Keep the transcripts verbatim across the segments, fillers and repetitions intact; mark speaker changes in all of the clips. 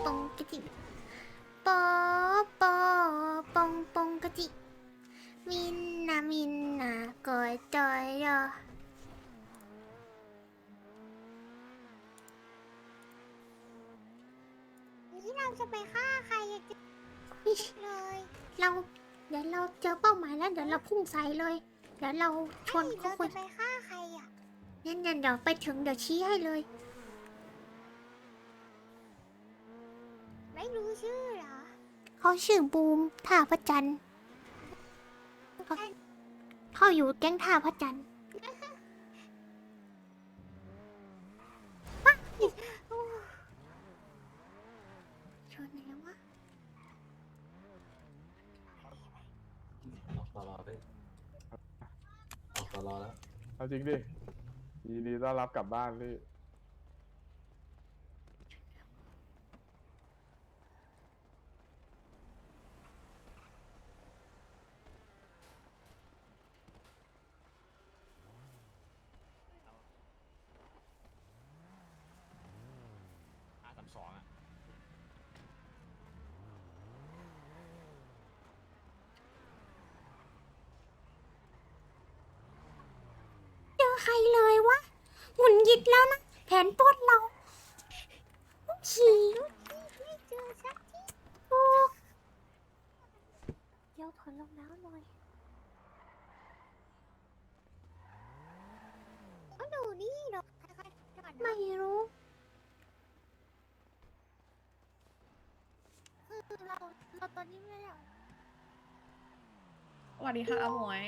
Speaker 1: ปองกะจิปอปอปองปองกะจิมินนามินนากอดจอยยอนี่เราจะไปฆ่าใครเลยเราเดี๋ยวเราเจอเป้าหมายแล้วเดี๋ยวเราพุ่งใส่เลยเดี๋ยวเราชนเขาคนไปฆ่าใครอ่ะงั้นเดี๋ยวไปถึงเดี๋ยวชี้ให้เลยไม่รู้ชื่อเหรอเขาชื่อบูมท่าพระจันทร์เขาเขาอยู่แก๊งท่าพระจันทร์ชนไหนวะ
Speaker 2: ออกตลอดเลยออกตลอดแล้ว
Speaker 3: เอาจริงดิยินดีต้อนรับกลับบ้านพี่
Speaker 4: อาสามสองอ่ะ
Speaker 1: เจอใครเลยวะหงุดหงิดแล้วนะแผนปล้นเราขี่ไม่เจอสักทีโอ้เดี๋ยวถอนรองเท้าหน่อยก็ดูนี่หรอกไม่รู้คือเราเราตอนนี้ไม่ได้
Speaker 5: สวัสดีค่ะอาหมวย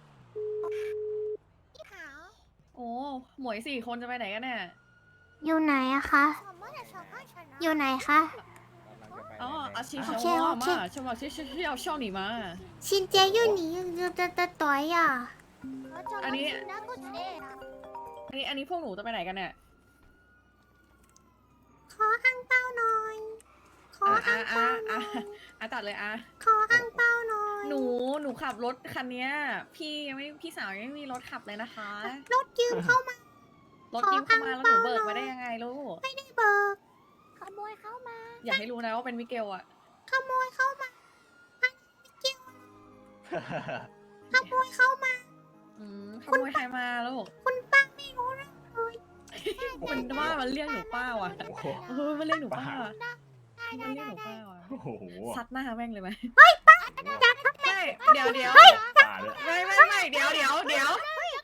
Speaker 1: พี่ขาว
Speaker 5: โอ้ หมวยสี่คนจะไปไหนกันเนี่ย
Speaker 1: อยู่ไหนอะคะอยู่ไหนคะ
Speaker 5: อ๋ออาชิ
Speaker 1: โอ
Speaker 5: เช
Speaker 1: เค
Speaker 5: ว
Speaker 1: โอ
Speaker 5: มา
Speaker 1: เค
Speaker 5: ฉันบอกชื่อชื่อชื่อเอาช่องหนีมา
Speaker 1: ชินเจอยู่หนีอยู่แต่แต่ต่อยอ่ะ
Speaker 5: อันนี้ อันนี้ อันนี้พวกหนูจะไปไหนกันเนี่ย
Speaker 1: ขออังเป้าหน่อย ขอ
Speaker 5: อ่ะ
Speaker 1: อั
Speaker 5: อ่ะ
Speaker 1: ง
Speaker 5: อ่ะ
Speaker 1: เป้าห
Speaker 5: อ่ะ
Speaker 1: น่อย
Speaker 5: อ่ะตัดเลยอ่ะ
Speaker 1: ขออังเป้าหน่อย
Speaker 5: หนู หนูขับรถคันเนี้ย พี่ยังไม่ พี่สาวยังไม่มีรถขับเลยนะคะ
Speaker 1: รถยืมเข้ามา
Speaker 5: รถยืมเข้ามาแล้วหนูเบิกมาได้ยังไงลูก
Speaker 1: ไม่ได้เบิกขโมยเข้ามา
Speaker 5: อย่าให้รู้นะว่าเป็นมิเกลอะ
Speaker 1: ขโมยเข้ามาไม่เกี่ยวขโมยเข้ามา
Speaker 5: อืมขโมยใครมาลูก
Speaker 1: คุณป้าไม่รู้เรื่องเลย
Speaker 5: มันว่ามันเรียกหนูป้าว่ะ
Speaker 4: โอ้โห
Speaker 5: เออมันเรียกหนูป้าว่ะ
Speaker 1: ได้
Speaker 5: มัน
Speaker 1: ได้
Speaker 5: เรียก
Speaker 1: ได้
Speaker 5: หนูป้าว่ะ
Speaker 4: โอ้โห
Speaker 5: ซัดหน้าแม่งเลยไหม
Speaker 1: จัดทำไม
Speaker 5: ไม่เดี๋ยวเดี๋ยว
Speaker 4: ป่าเลย
Speaker 5: ไม่ไม่ไม่เดี๋ยวเดี๋ยวเดี๋ยว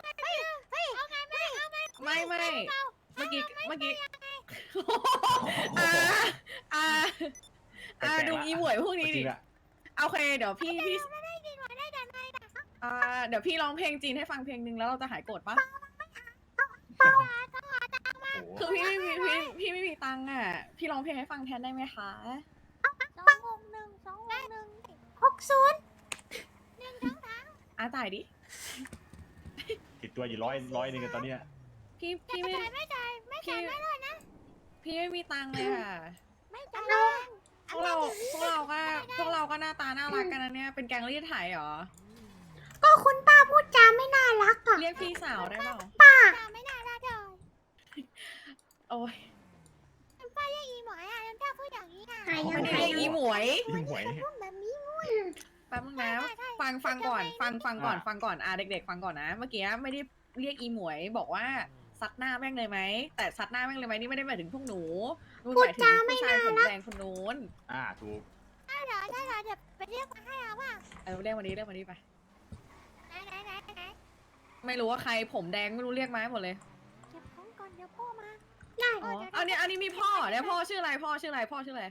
Speaker 5: ไม่ไม่เมื่อกี้เมื่อกี้อ่าอ่าอ่าดูอีหมวยพวกนี้ดิโอเคเดี๋ยวพี่พี่อ่าเดี๋ยวพี่ร้องเพลงจีนให้ฟังเพลงหนึ่งแล้วเราจะหายโกรธปะ
Speaker 4: โอ้โห
Speaker 5: คือพี่ไม่มีพี่พี่ไม่มีตังค์อ่ะพี่ร้องเพลงให้ฟังแทนได้ไหมคะ
Speaker 1: สองหกหนึ่งสองหกหนึ่งหกศูนย์
Speaker 5: อ่าจ่ายดิ
Speaker 4: ติดตัวอยู่ร้อยร้อยหนึงกันตอนเนี้ย
Speaker 5: พี่พี่ไม่
Speaker 1: ไม่จ่ายไม่จ่ายไม่เลยนะ
Speaker 5: พี่ไม่มีตังค์เลยค่ะ
Speaker 1: ไม่จ่าย
Speaker 5: พวกเราพวกเราก็พวกเราก็หน้าตาน่ารักกันนะเนี่ยเป็นแก๊งรีดไถเหรอ
Speaker 1: ก็คุณป้าพูดจาไม่น่ารักอ่ะ
Speaker 5: เรียกพี่สาวได้เปล่า
Speaker 1: ป้าไม่น่ารักเลย
Speaker 5: โอ้ย
Speaker 1: ป้าเรียกอีหมอยอ่ะแล้วป้าพูดอย่างนี้อ่ะ
Speaker 5: ไม่ได้เรียกอีหมวย
Speaker 4: ยิ่งหวย
Speaker 1: พูดแบบนี้
Speaker 5: แป๊บนึงนะฟังฟังก่อน ฟังฟังก่อนฟังก่อนอ่ะเด็กๆฟังก่อนนะ เมื่อกี้ไม่ได้เรียกอีหมวยบอกว่าซัดหน้าแม่งเลยไหมแต่ซัดหน้าแม่งเลยไหมนี่ไม่ได้หมายถึงพวกหนูมันหมายถึงผู้ชายผมแดงคนนู้น
Speaker 4: อ่าถูก
Speaker 1: ได้เหรอได้เหรอเดี๋ยวไปเรียกมาให้เอาว่า
Speaker 5: เออเรียกวันนี้เรียกวันนี้ไป
Speaker 1: ไหนไหนไหนไหน
Speaker 5: ไม่รู้ว่าใครผมแดงไม่รู้เรียกมาให้หมดเลย
Speaker 1: เก็บของก่อนเดี๋ยวพ่อมาได้
Speaker 5: อ๋ออันนี้อันนี้มีพ่อเนี่ยพ่อชื่ออะไรพ่อชื่ออะไรพ่อชื่ออะไร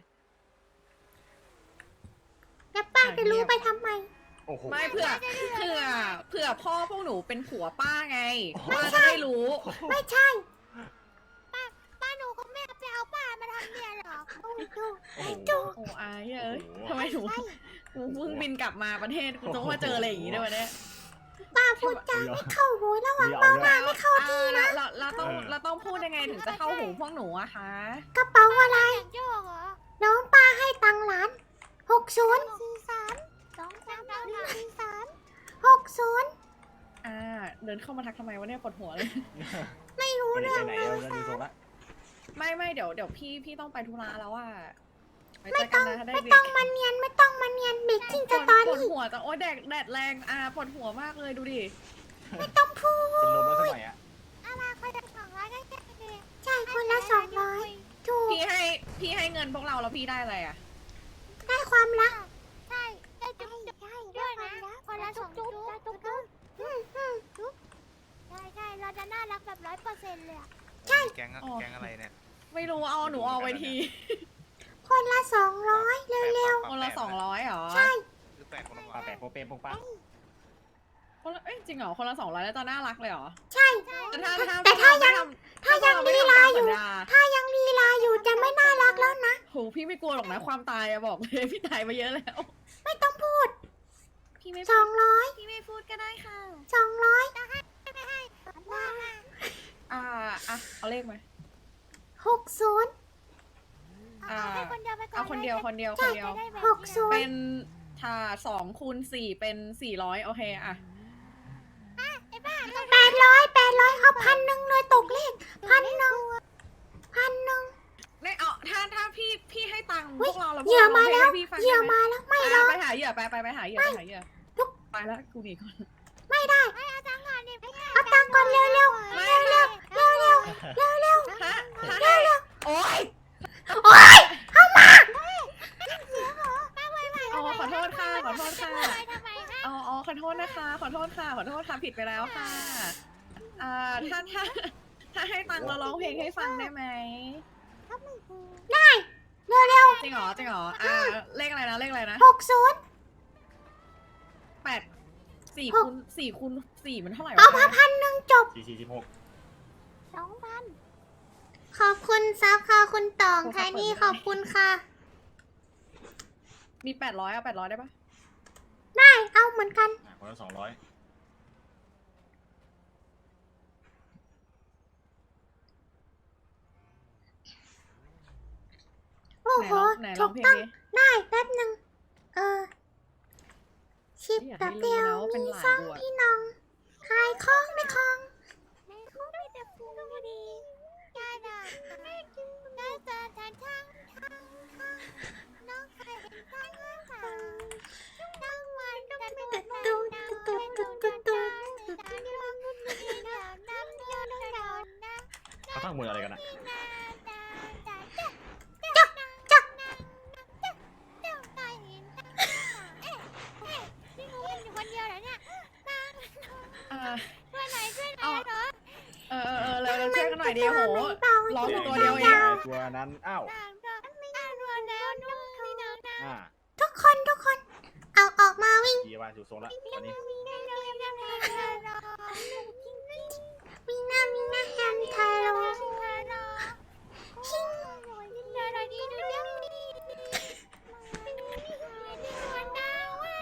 Speaker 1: แล้วป้าจะรู้ไปทำไม
Speaker 4: โอ้โห
Speaker 5: ไม่เผื่อเผื่อเผื่อพ่อพวกหนูเป็นผัวป้าไงป้าจะได้รู้
Speaker 1: ไม่ใช่ป้าป้าหนูก็ไม่ไปเอาป้ามาทำเนี่ยหรอกดูดู
Speaker 4: โอ้โห
Speaker 1: ดู
Speaker 5: โอ้อายเอ้ยทำไมหนูหนูเพิ่งบินกลับมาประเทศกูต้องมาเจออะไรอย่างงี้ด้วยวะเนี่ย
Speaker 1: ป้าพูดจาไม่เข้าหูระหว่าง
Speaker 4: เดี๋ยว
Speaker 1: เป้า
Speaker 4: เอา
Speaker 1: ห
Speaker 4: ด้ว
Speaker 1: น้าย ไม่เข้าทีนะ
Speaker 5: เราเราต้องเราต้องพูดยังไงถึงจะเข้าหูพวกหนูอะคะ
Speaker 1: กระเป๋าอะไรน้องป้าให้ตังค์หลานหกศูนย์สี่สามสองสามหนึ่งสี่สามหกศูนย์
Speaker 5: อ่าเดินเข้ามาทักทำไมวะเนี่ยปวดหัวเลย
Speaker 1: ไม่รู้
Speaker 4: ไป
Speaker 1: เรื่อง
Speaker 4: ไหน
Speaker 1: เล
Speaker 4: เอา
Speaker 1: ย
Speaker 4: เงินดูทรงละ
Speaker 5: ไม่ไม่เดี๋ยวเดี๋ยวพี่พี่ต้องไปธุระแล้วอะไว้เจอกันนะถ้าได้
Speaker 1: ไม่
Speaker 5: เด็
Speaker 1: ต้องมาเนียนไม่ต้องมาเนียนเบกกิ้ง
Speaker 5: ป
Speaker 1: ส
Speaker 5: วด
Speaker 1: ตอ
Speaker 5: ปวด
Speaker 1: รี่
Speaker 5: หัวจังโอ้ยแดดแดดแรงอ่ะปวดหัวมากเลยดูดิ
Speaker 1: ไม่ต้องพู
Speaker 4: เป็นลม
Speaker 1: ด
Speaker 4: แล้วสมัยอ่ะ
Speaker 6: เอามาคนละสองร้อยก็แค่นี้
Speaker 1: ใช่คนละสองร้อยถูก
Speaker 5: พี่ให้พี่ให้เงินพวกเราแล้วพี่ได้อะไรอ่ะ
Speaker 1: ได้ความรัก
Speaker 6: ใช่ได้จุ๊บจุ๊บด้วยนะคนละสองจุ๊บจุ๊บจุ๊บ
Speaker 1: อืมอืม
Speaker 6: ใช่ใช่เราจะน่ารักแบบร้อยเปอร์เซ็นต์เลยอะ
Speaker 7: แก๊งอะ
Speaker 5: อ๋อ
Speaker 7: แก๊งอะไรเนี่ย
Speaker 5: ไม่รู้เอาหนูเอาไว้ที
Speaker 1: คนละสองร้อยเร็ว
Speaker 5: คนละสองร้อยเหรอ
Speaker 1: ๆใช่
Speaker 7: หรือแปดคนละ
Speaker 4: ปลาแปะโปเปมปงปัง
Speaker 5: คนละเอ้ยจริงเหรอคนละสองร้อยแล้วจะน่ารักเลยเหรอ
Speaker 1: ใช่
Speaker 5: แต่ถ้าถ้า
Speaker 1: แต่ถ้ายัง
Speaker 5: ถ้า
Speaker 1: ถ้ายังลีลาอยู่ ถ้ายังลีลาอยู่จะไม่น่ารักแล้วนะ
Speaker 5: โหพี่ไม่กลัวหรอกนะความตายอะบอกเลยพี่ตายมาเยอะแล้ว
Speaker 1: ไม่ต้องพูด
Speaker 5: พี่ไม่
Speaker 1: สองร้อย
Speaker 5: พี่ไม่พูดก็ได้ค่ะ
Speaker 1: สองร้อย
Speaker 6: ว่า
Speaker 5: อ่าอ่ะเอาเลขมา
Speaker 1: หกศูนย์
Speaker 6: เอาให้คนเดียวไปก่อน
Speaker 5: เอาคนเดียวคนเดียว
Speaker 1: ใช่
Speaker 5: คนเดียว
Speaker 1: หกศูน
Speaker 5: เป็
Speaker 1: ย์
Speaker 5: นถ้าสองคูณสี่เป็นสี่ร้อยโอเคอะ
Speaker 1: แปดร้อยแปดร้อยเอาพันหนึ่งเลยตกเลขพันหนึ่งพันหนึ่ง
Speaker 5: ไม่เอาถ้าถ้าพี่พี่ให้ตังค์พ
Speaker 1: อุ๊ยว
Speaker 5: กเราแล้วพ
Speaker 1: เห
Speaker 5: วก
Speaker 1: ยื่อ
Speaker 5: เรา
Speaker 1: มา
Speaker 5: ให้
Speaker 1: แล้ว
Speaker 5: พี่ฟัง
Speaker 1: เหยื่อ
Speaker 5: ได้ไหม
Speaker 1: มาแล้วไม่หร
Speaker 5: อ่ะ
Speaker 1: อก
Speaker 5: ไปหาเหยื่อไปไปไปหาเหยื่อไปหาเหยื่อ
Speaker 1: ทุก
Speaker 5: ไปแล้วกูหนีก่อน
Speaker 1: ไม่ได้
Speaker 6: เอาตังค์ก่อนดิไม่
Speaker 1: เอาตังค์ก่อนเร็วเร็ว
Speaker 5: ไม่
Speaker 1: เร็วเร็วเร็วเร็วเร็ว
Speaker 5: ถ้าถ้าให้โอ๊ย
Speaker 1: โอ๊ยเข้ามา
Speaker 5: อ๋อขอโทษค่ะขอโทษค่ะ
Speaker 6: ไปทำไมฮะ
Speaker 5: อ๋ออ๋อขอโทษนะคะ ขอโทษค่ะ ขอโทษค่ะผิดไปแล้วค่ะ อ่า ถ้าถ้าถ้าให้ตังค์เราร้องเพลงให้ฟังได้ไหม
Speaker 1: ได้เร็วเร็ว
Speaker 5: จริงเหรอ จริงเหรอ อ่า เลขอะไรนะ เลขอะไรนะ
Speaker 1: หกศูนย์
Speaker 5: แปดสี่
Speaker 1: หก
Speaker 5: คูณสี่คูณสี่มันเท่าไหร่
Speaker 1: เอา
Speaker 5: วะ
Speaker 1: มาพันหนึ่งจบ
Speaker 4: สี่สี่สิบหก
Speaker 6: สองพัน
Speaker 1: ขอบคุณซับค่ะคุณตองไทนี่ขอบคุณค่ะ
Speaker 5: มีแปดร้อยเอาแปดร้อยได้ปะ
Speaker 1: ได้เอาเหมือนกัน
Speaker 4: อ่ะคนละสองร้อย
Speaker 1: โอ้โห
Speaker 5: ไหนล
Speaker 1: ถู
Speaker 5: อง
Speaker 1: ก
Speaker 5: เพลง
Speaker 1: ต้อง
Speaker 5: ดิ
Speaker 1: ได้แป๊บหนึ่งเออชิป
Speaker 5: อยาก
Speaker 1: แบบ
Speaker 5: ให้
Speaker 1: เดี
Speaker 5: รู้
Speaker 1: ยว
Speaker 5: นะว่าเป็น
Speaker 1: มี
Speaker 5: หลาน
Speaker 1: ซ่อง
Speaker 5: กูอะ
Speaker 1: พี่น้องขายคล้องไม่คล้อง
Speaker 6: ในคุกมีแต่ฟูดียาดาได้เจอทางทางทางทางน้องเคยเห็นทางทางน้องวันก็ไม่
Speaker 1: ตุ๊ดตุ๊ดตุ๊ดตุ๊ดตุ๊ดตุ๊ด
Speaker 4: เขาทั้งมืออะไรกันอ่ะ
Speaker 1: จัก
Speaker 5: อ่า
Speaker 6: ช่วยหน่อยช่วยหน่
Speaker 5: เอา
Speaker 6: อยเหรอ
Speaker 5: เออเออเออเราเราช่วยกันหน่อยดีโห
Speaker 1: เบา
Speaker 5: ร้อง
Speaker 1: ๆ
Speaker 5: ตัวเดียวเอง
Speaker 4: ตัวนั้น อ้าว
Speaker 6: ต่างก็ไม่ได้รวนแล้วนุ่มนี่น้องนะ
Speaker 4: อ่า
Speaker 1: ทุกคนทุกคน เอาออกมาวิ่ง
Speaker 4: ดีว่าอยู่ทรงละตอนนี้
Speaker 6: มีได้เลยนะแม่รอ
Speaker 1: วิ่งหน้าวิ่งหน้าแฮมไทยโร
Speaker 6: ชิงเดี๋ยวเราดีดูเดี๋ยวนี้วันดาววัน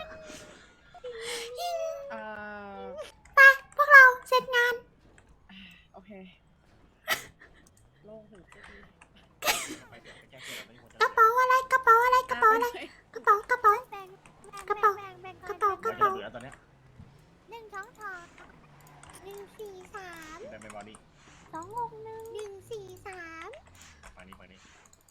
Speaker 5: อ่า
Speaker 1: ไปพวกเราเสร็จงาน
Speaker 5: โอเคโล่งหูสักที
Speaker 4: ไปเดี๋ยวไปแจ้งเกิดตอนนี้คนจะ
Speaker 1: กระเป๋าอะไรกระเป๋าอะไรกระเป๋าอะไร
Speaker 5: อ่
Speaker 1: กระเป๋ากระเป๋า
Speaker 6: แบ่ง
Speaker 1: กระเป๋า
Speaker 6: แบ่งแบ่ง
Speaker 1: กระเป๋า
Speaker 4: เราจะเหลือตอนเนี้ย
Speaker 6: หนึ่งสองสองหนึ่งสี่สาม
Speaker 4: แต่ไม่มานี่
Speaker 6: สองหกหนึ่งหนึ่งสี่สาม
Speaker 4: ฝั่งนี้ฝั่งนี้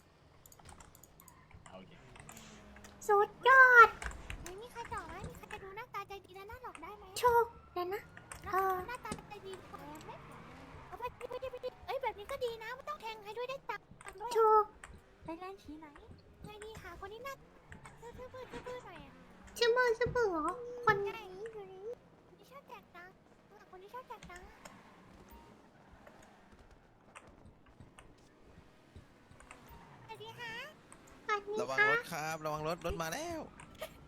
Speaker 4: เอาโอเค
Speaker 1: สุดยอด
Speaker 6: ไม่มีใครจ่อไหมมีใครจะดูหน้าตาใจดีและหน้าหลอกได้ไหม
Speaker 1: โชคเดี๋ยวนะ
Speaker 6: หน้าหน้าตาใจดีกว่าไหมเอาไปไปไปไปเอ้ยแบบนี้ก็ดีนะไม่ต้องแทงให้ด้วยได้ตังค์ด้วย
Speaker 1: โชค
Speaker 6: ไปร้านชี้ไหนไงดีค่ะคนนี้หน้าซื่อซื่อซื่อซื่อหน่อยอ่ะ
Speaker 1: ชื่อมือชื่อมือเหรอคน
Speaker 6: ไหนอยู่นี่คนที่ชอบแจกตังค์คนที่ชอบแจกตังค์สวัสดีค่ะ
Speaker 1: สวัสดี
Speaker 7: ระวัง
Speaker 1: ค่ะ
Speaker 7: รถครับ ระวังรถ รถมาแล้ว